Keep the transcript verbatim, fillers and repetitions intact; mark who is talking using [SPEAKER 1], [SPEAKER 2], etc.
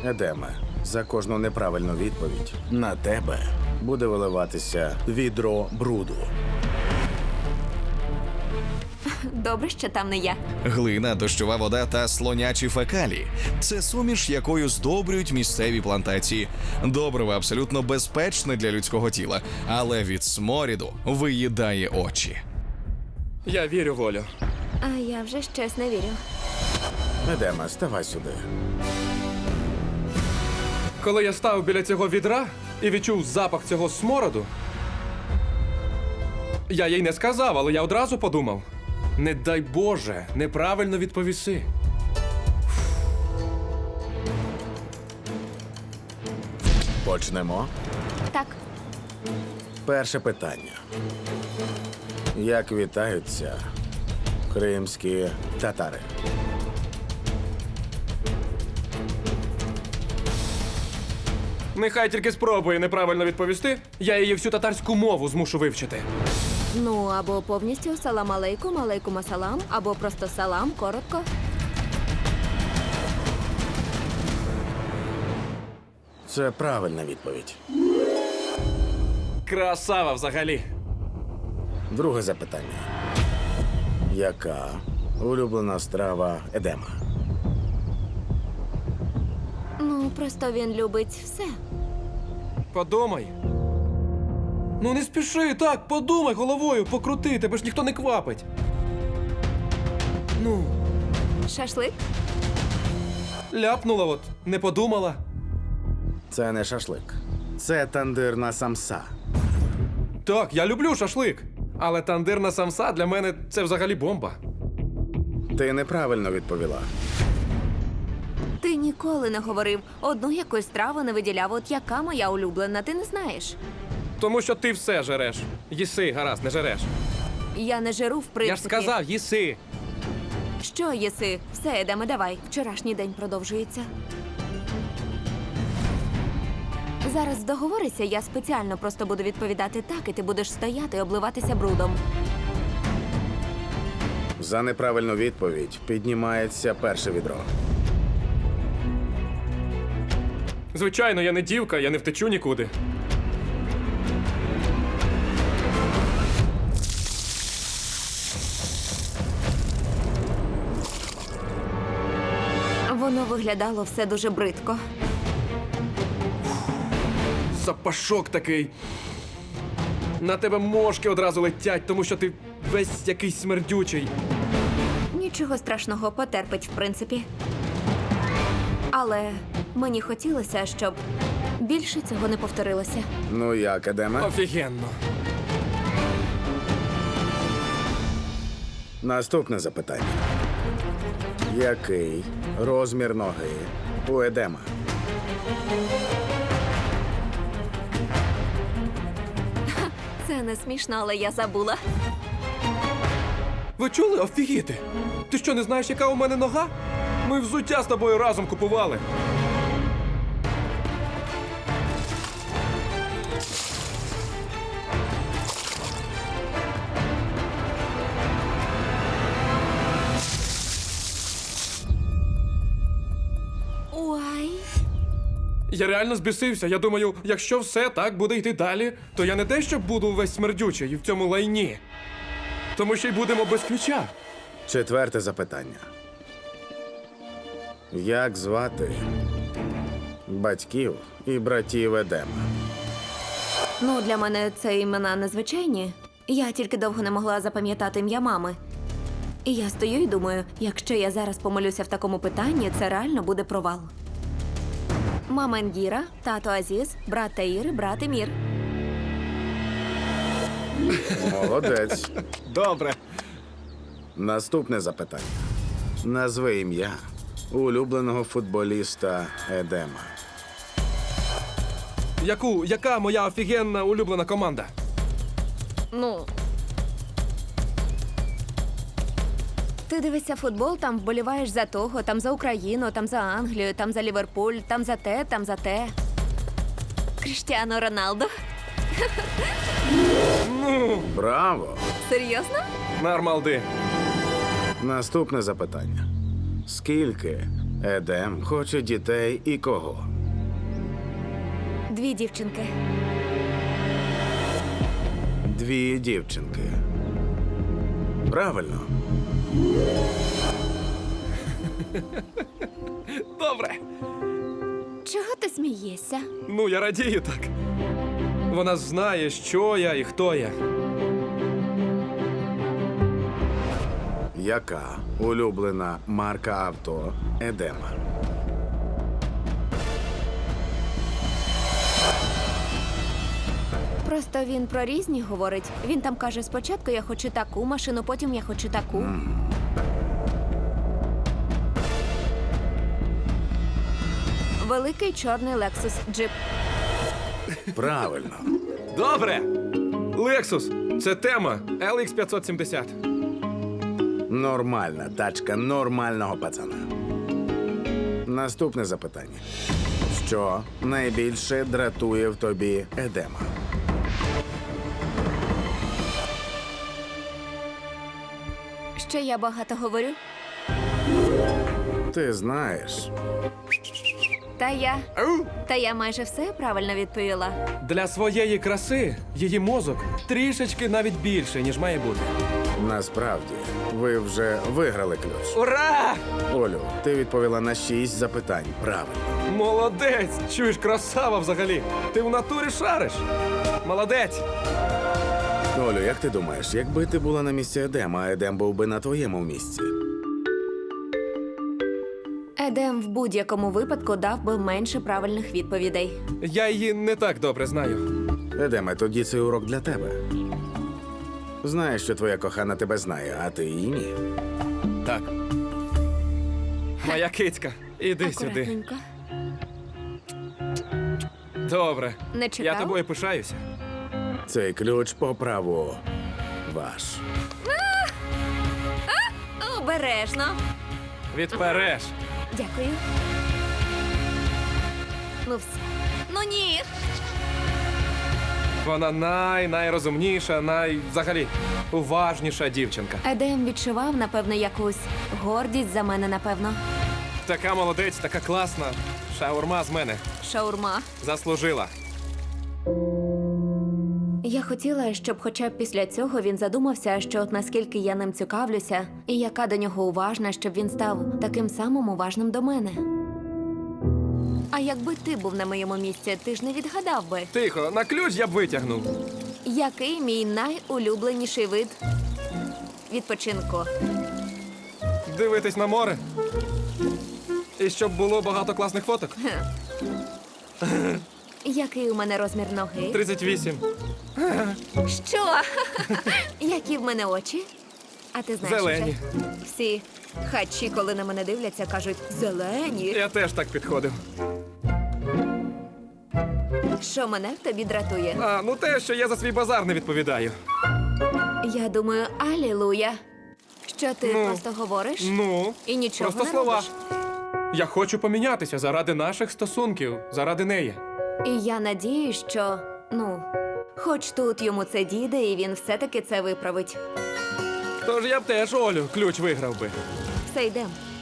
[SPEAKER 1] Едеме, за кожну неправильну відповідь на тебе буде виливатися відро бруду.
[SPEAKER 2] Добре, що там не я.
[SPEAKER 3] Глина, дощова вода та слонячі фекалії – це суміш, якою здобрюють місцеві плантації. Добриво абсолютно безпечне для людського тіла, але від сморіду виїдає очі.
[SPEAKER 4] Я вірю, Волю.
[SPEAKER 2] А я вже щось не вірю.
[SPEAKER 1] Едеме, ставай сюди.
[SPEAKER 4] Коли я став біля цього відра і відчув запах цього смороду, я їй не сказав, але я одразу подумав: не дай Боже, неправильно відповіси.
[SPEAKER 1] Почнемо.
[SPEAKER 2] Так,
[SPEAKER 1] Перше питання. Як вітаються кримські татари?
[SPEAKER 4] Нехай тільки спробує неправильно відповісти, я її всю татарську мову змушу вивчити.
[SPEAKER 2] ну або повністю салам алейкум, алейкум асалам, або просто салам, коротко.
[SPEAKER 1] Це правильна відповідь.
[SPEAKER 4] Красава взагалі.
[SPEAKER 1] Друге запитання. Яка улюблена страва Едема?
[SPEAKER 2] Ну, просто він любить все.
[SPEAKER 4] Подумай. Ну не спіши, так, подумай головою, покрути, тебе ж ніхто не квапить. Ну,
[SPEAKER 2] Шашлик?
[SPEAKER 4] ляпнула от, не подумала.
[SPEAKER 1] Це не шашлик. Це тандирна самса.
[SPEAKER 4] Так, я люблю шашлик. Але тандирна самса для мене це взагалі бомба.
[SPEAKER 1] Ти неправильно відповіла.
[SPEAKER 2] Ти ніколи не говорив, одну якусь страву не виділяв, от яка моя улюблена, ти не знаєш.
[SPEAKER 4] Тому що ти все жереш. Їси, гаразд, не жереш.
[SPEAKER 2] Я не жиру, в принципі.
[SPEAKER 4] Я ж сказав, їси.
[SPEAKER 2] Що єси? Все, Едеме, давай. Вчорашній день продовжується. Зараз договорися, я спеціально просто буду відповідати так, і ти будеш стояти і обливатися брудом.
[SPEAKER 1] За неправильну відповідь піднімається перше відро.
[SPEAKER 4] Звичайно, я не дівка, я не втечу нікуди.
[SPEAKER 2] Воно виглядало все дуже бридко.
[SPEAKER 4] Запашок такий. На тебе мошки одразу летять, тому що ти весь якийсь смердючий.
[SPEAKER 2] Нічого страшного, потерпить, в принципі. Але мені хотілося, щоб більше цього не повторилося.
[SPEAKER 1] Ну як, Едеме?
[SPEAKER 4] Офігенно.
[SPEAKER 1] Наступне запитання. Який розмір ноги у Едема?
[SPEAKER 2] Це не смішно, але я забула.
[SPEAKER 4] Ви чули? Офігіти! Ти що, не знаєш, яка у мене нога? Ми взуття з тобою разом купували.
[SPEAKER 2] Ой.
[SPEAKER 4] Я реально збісився. Я думаю, якщо все так буде йти далі, то я не те, що буду весь смердючий в цьому лайні. Тому що й будемо без ключа.
[SPEAKER 1] Четверте запитання. Як звати батьків і братів Едема?
[SPEAKER 2] Ну, для мене це імена незвичайні. Я тільки довго не могла запам'ятати ім'я мами. І я стою і думаю, якщо я зараз помилюся в такому питанні, це реально буде провал. Мама Енгіра, тато Азіз, брат Таїр, брат Емір.
[SPEAKER 1] Молодець.
[SPEAKER 4] Добре.
[SPEAKER 1] Наступне запитання. Назви ім'я улюбленого футболіста Едема.
[SPEAKER 4] Яку, яка моя офігенна улюблена команда?
[SPEAKER 2] Ну. Ти дивишся футбол, там вболіваєш за того, там за Україну, там за Англію, там за Ліверпуль, там за те, там за те. Кріштіану Роналду.
[SPEAKER 1] Браво!
[SPEAKER 2] Серйозно?
[SPEAKER 4] Нармалди.
[SPEAKER 1] Наступне запитання. Скільки Едем хоче дітей і кого?
[SPEAKER 2] Дві дівчинки.
[SPEAKER 1] Дві дівчинки. Правильно.
[SPEAKER 4] Добре.
[SPEAKER 2] Чого ти смієшся?
[SPEAKER 4] Ну, я радію так. Вона знає, що я і хто я.
[SPEAKER 1] Яка улюблена марка авто Едема?
[SPEAKER 2] Просто він про різні говорить. Він там каже, спочатку я хочу таку машину, потім я хочу таку. Великий чорний Lexus джип.
[SPEAKER 1] Правильно.
[SPEAKER 4] Добре. Лексус. Це тема. ел ікс п'ятсот сімдесят.
[SPEAKER 1] Нормальна тачка нормального пацана. Наступне запитання. Що найбільше дратує в тобі Едема?
[SPEAKER 2] Що я багато говорю?
[SPEAKER 1] Ти знаєш,
[SPEAKER 2] Та я.
[SPEAKER 4] Ау!
[SPEAKER 2] Та я майже все правильно відповіла.
[SPEAKER 4] Для своєї краси її мозок трішечки навіть більше, ніж має бути.
[SPEAKER 1] насправді, ви вже виграли ключ.
[SPEAKER 4] Ура!
[SPEAKER 1] Олю, ти відповіла на шість запитань. Правильно.
[SPEAKER 4] Молодець! Чуєш, красава взагалі. Ти в натурі шариш. Молодець!
[SPEAKER 1] Олю, як ти думаєш, якби ти була на місці Едема, а Едем був би на твоєму місці?
[SPEAKER 2] Едем в будь-якому випадку дав би менше правильних відповідей.
[SPEAKER 4] Я її не так добре знаю.
[SPEAKER 1] Едеме, тоді цей урок для тебе. Знаєш, що твоя кохана тебе знає, а ти її ні.
[SPEAKER 4] Так. Моя кицька, іди сюди.
[SPEAKER 2] Акуратненько.
[SPEAKER 4] Добре.
[SPEAKER 2] Не
[SPEAKER 4] Я
[SPEAKER 2] чекав?
[SPEAKER 4] тобою пишаюся.
[SPEAKER 1] Цей ключ по праву ваш.
[SPEAKER 2] Обережно.
[SPEAKER 4] Відпереш.
[SPEAKER 2] Дякую. Ну все. Ну ні.
[SPEAKER 4] Вона най найрозумніша, най взагалі уважніша дівчинка.
[SPEAKER 2] Едем відчував, напевно, якусь гордість за мене, напевно.
[SPEAKER 4] Така молодець, така класна. Шаурма з мене.
[SPEAKER 2] Шаурма.
[SPEAKER 4] Заслужила.
[SPEAKER 2] Я хотіла, щоб хоча б після цього він задумався, що от наскільки я ним цікавлюся, і яка до нього уважна, щоб він став таким самим уважним до мене. А якби ти був на моєму місці, ти ж не відгадав би,
[SPEAKER 4] Тихо, на ключ я б витягнув.
[SPEAKER 2] який мій найулюбленіший вид відпочинку.
[SPEAKER 4] Дивитись на море. І щоб було багато класних фоток.
[SPEAKER 2] Який у мене розмір ноги?
[SPEAKER 4] тридцять вісім.
[SPEAKER 2] Що? Які в мене очі? А ти знаєш,
[SPEAKER 4] Зелені.
[SPEAKER 2] вже? Всі хачі, коли на мене дивляться, кажуть зелені.
[SPEAKER 4] Я теж так підходив.
[SPEAKER 2] Що мене в тобі дратує?
[SPEAKER 4] А, ну те, що я за свій базар не відповідаю.
[SPEAKER 2] Я думаю, алілуя. Що ти
[SPEAKER 4] Ну,
[SPEAKER 2] просто говориш
[SPEAKER 4] Ну,
[SPEAKER 2] і нічого
[SPEAKER 4] просто
[SPEAKER 2] не
[SPEAKER 4] слова.
[SPEAKER 2] робиш?
[SPEAKER 4] Я хочу помінятися заради наших стосунків, заради неї.
[SPEAKER 2] І я надіюсь, що, ну, хоч тут йому це діде, і він все-таки це виправить.
[SPEAKER 4] Тож я б теж Олю ключ виграв би.
[SPEAKER 2] Все, йдем.